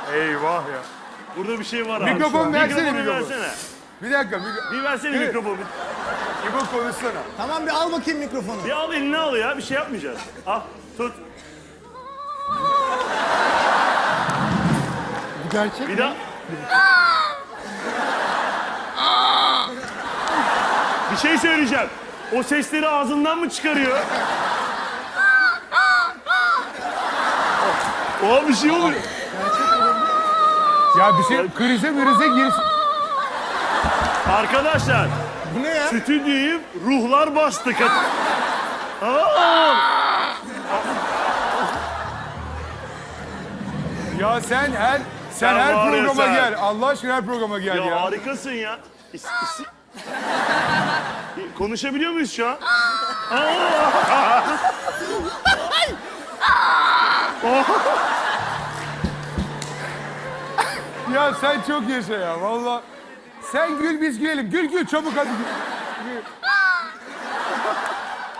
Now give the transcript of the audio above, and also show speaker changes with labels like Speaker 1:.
Speaker 1: Eyvah ya.
Speaker 2: Burada bir şey var abi.
Speaker 1: Mikrofon versene,
Speaker 2: Mikrofonu
Speaker 1: mikrofon.
Speaker 2: versene.
Speaker 1: Bir dakika.
Speaker 2: Bir versene
Speaker 1: Evet.
Speaker 2: mikrofonu.
Speaker 1: İbo konuşsana.
Speaker 3: Tamam bir al bakayım mikrofonu.
Speaker 2: Bir al eline al ya. Bir şey yapmayacağız. Al tut.
Speaker 1: Bu gerçek
Speaker 2: Bir daha. Bir şey söyleyeceğim. O sesleri ağzından mı çıkarıyor? O bir şey oluyor.
Speaker 1: Ya bir şey krize girsin.
Speaker 2: Arkadaşlar,
Speaker 3: Bu ne ya?
Speaker 2: stüdyoyu ruhlar bastı.
Speaker 1: Ya sen her
Speaker 2: Sen var ya
Speaker 1: programa
Speaker 2: sen.
Speaker 1: gel. Allah aşkına her programa gel
Speaker 2: Ya
Speaker 1: ya.
Speaker 2: harikasın ya. Konuşabiliyor muyuz şu an?
Speaker 1: Ya sen çok yaşa ya valla. Sen gül biz gülelim. Gül çabuk hadi. Gül.